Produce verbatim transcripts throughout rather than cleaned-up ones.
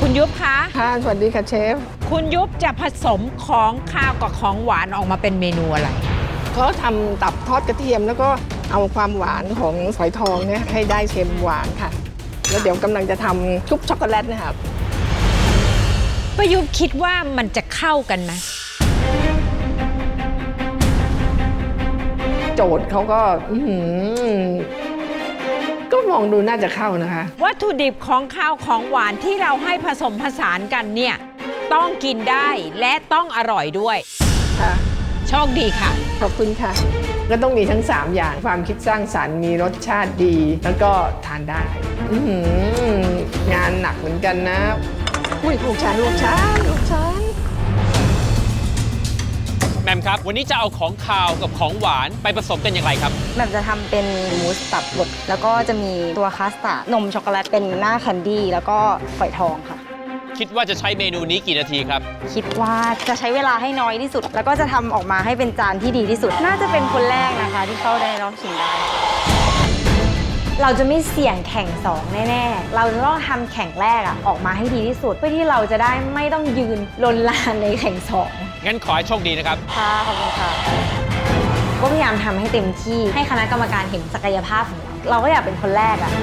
คุณยุบคะค่ะสวัสดีค่ะเชฟคุณยุบจะผสมของข้าวกับของหวานออกมาเป็นเมนูอะไรเขาทำตับทอดกระเทียมแล้วก็เอาความหวานของฝอยทองเนี่ยให้ได้เค็มหวานค่ะแล้วเดี๋ยวกำลังจะทำชุบช็อกโกแลตนะครับป้ายุบคิดว่ามันจะเข้ากันไหมโจทย์เขาก็ก็มองดูน่าจะเข้านะคะวัตถุดิบของข้าวของหวานที่เราให้ผสมผสานกันเนี่ยต้องกินได้และต้องอร่อยด้วยค่ะโชคดีค่ะขอบคุณค่ะก็ต้องมีทั้งสามอย่างความคิดสร้างสรรค์มีรสชาติดีแล้วก็ทานได้งานหนักเหมือนกันนะอุ้ยลูกฉันลูกฉันลูกฉันแมมครับวันนี้จะเอาของคาวกับของหวานไปผสมกันอย่างไรครับแมมจะทำเป็นมูสตับบดแล้วก็จะมีตัวคัสตาร์ดนมช็อกโกแลตเป็นหน้าแคนดี้แล้วก็ฝอยทองค่ะคิดว่าจะใช้เมนูนี้กี่นาทีครับคิดว่าจะใช้เวลาให้น้อยที่สุดแล้วก็จะทำออกมาให้เป็นจานที่ดีที่สุดน่าจะเป็นคนแรกนะคะที่เข้าได้รอบชิงได้เราจะไม่เสี่ยงแข่งสองแน่ๆเราจะต้องทำแข่งแรกอะออกมาให้ดีที่สุดเพื่อที่เราจะได้ไม่ต้องยืนลนลานในแข่งสองงั้นขอให้โชคดีนะครับค่ะขอบคุณค่ะก็พยายามทำให้เต็มที่ให้คณะกรรมการเห็นศักยภาพของเราเราก็อยากเป็นคนแรกอะ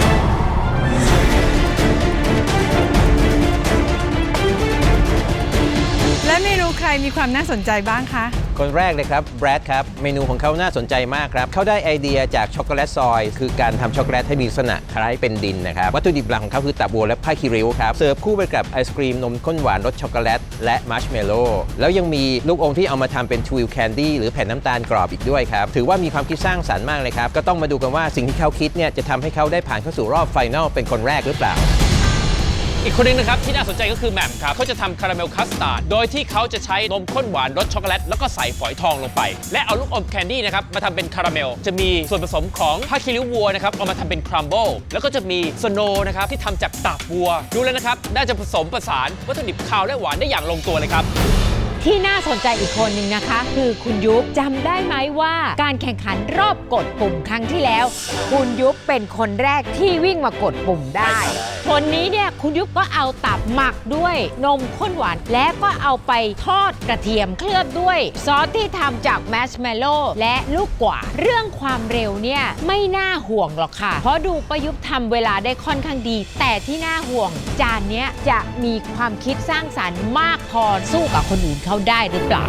และเมนูใครมีความน่าสนใจบ้างคะคนแรกเลยครับแบรดครับเมนูของเขาน่าสนใจมากครับเขาได้ไอเดียจากช็อกโกแลตซอยคือการทำช็อกโกแลตให้มีลักษณะคล้ายเป็นดินนะครับวัตถุดิบหลักของเขาคือตับวัวและผ้าคีริ้วครับเสิร์ฟคู่ไปกับไอศครีมนมข้นหวานรสช็อกโกแลตและมัชเมลโล่แล้วยังมีลูกอมที่เอามาทำเป็นทวิลแคนดี้หรือแผ่นน้ำตาลกรอบอีกด้วยครับถือว่ามีความคิดสร้างสรรค์มากเลยครับก็ต้องมาดูกันว่าสิ่งที่เขาคิดเนี่ยจะทำให้เขาได้ผ่านเข้าสู่รอบไฟนอลเป็นคนแรกหรือเปล่าอีกคนนึงนะครับที่น่าสนใจก็คือแหม่มครับเขาจะทำคาราเมลคัสตาร์ดโดยที่เขาจะใช้นมข้นหวานรสช็อกโกแลตแล้วก็ใส่ฝอยทองลงไปและเอาลูกอมแคนดี้นะครับมาทำเป็นคาราเมลจะมีส่วนผสมของผ้าคีริ้ววัวนะครับเอามาทำเป็นครัมเบิลแล้วก็จะมีสโนว์นะครับที่ทำจากตับวัวดูแล้วนะครับน่าจะผสมผสานวัตถุดิบคาวและหวานได้อย่างลงตัวเลยครับที่น่าสนใจอีกคนหนึ่งนะคะคือคุณยุบจำได้ไหมว่าการแข่งขันรอบกดปุ่มครั้งที่แล้วคุณยุบเป็นคนแรกที่วิ่งมากดปุ่มได้คนนี้เนี่ยคุณยุบก็เอาตับหมักด้วยนมข้นหวานและก็เอาไปทอดกระเทียมเคลือบด้วยซอสที่ทำจากแมชเมลโล่และลูกกวาดเรื่องความเร็วเนี่ยไม่น่าห่วงหรอกค่ะเพราะดูประยุบทำเวลาได้ค่อนข้างดีแต่ที่น่าห่วงจานนี้จะมีความคิดสร้างสรรค์มากพอสู้กับคนอื่นเขาได้หรือเปล่า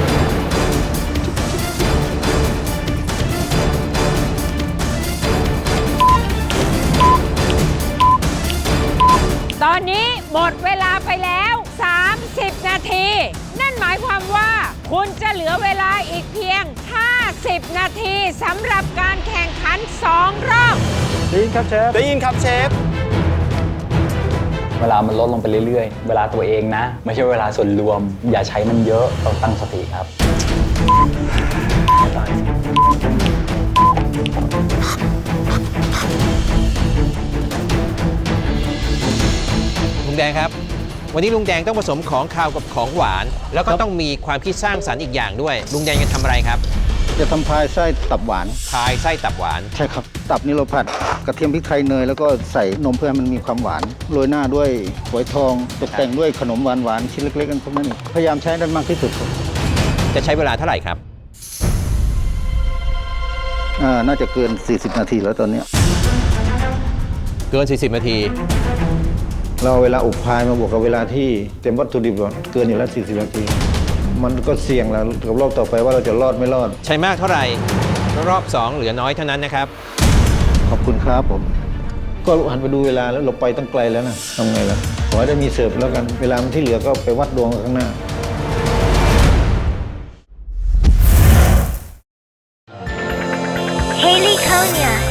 ตอนนี้หมดเวลาไปแล้วสามสิบนาทีนั่นหมายความว่าคุณจะเหลือเวลาอีกเพียงห้าสิบนาทีสำหรับการแข่งขันสองรอบได้ยินครับเชฟได้ยินครับเชฟเวลามันลดลงไปเรื่อยๆเวลาตัวเองนะไม่ใช่เวลาส่วนรวมอย่าใช้มันเยอะต้องตั้งสติครับลุงแดงครับวันนี้ลุงแดงต้องผสมของคาวกับของหวานแล้วก็ต้องมีความคิดสร้างสรรค์อีกอย่างด้วยลุงแดงจะทำอะไรครับจะทำพายไส้ตับหวานพายไส้ตับหวานใช่ครับตับนี่เราผัดกระเทียมพริกไทยเนยแล้วก็ใส่นมเพื่อให้มันมีความหวานโรยหน้าด้วยฝอยทองตกแต่งด้วยขนมหวานๆชิ้นเล็กๆกันพวกนั้นพยายามใช้ได้มากที่สุดครับจะใช้เวลาเท่าไหร่ครับอ่าน่าจะเกินสี่สิบนาทีแล้วตอนนี้เกินสี่สิบนาทีเราเวลาอบพายมาบวกกับเวลาที่เต็มวัตถุดิบเกินอยู่แล้วสี่สิบนาทีมันก็เสี่ยงแล้วกับรอบต่อไปว่าเราจะรอดไม่รอดใช้มากเท่าไหร่รอบสองเหลือน้อยเท่านั้นนะครับขอบคุณครับผมก็หันไปดูเวลาแล้วเราไปตั้งไกลแล้วนะทำไงล่ะขอให้ได้มีเสิร์ฟแล้วกันเวลาที่เหลือก็ไปวัดดวงข้างหน้า Haley Konya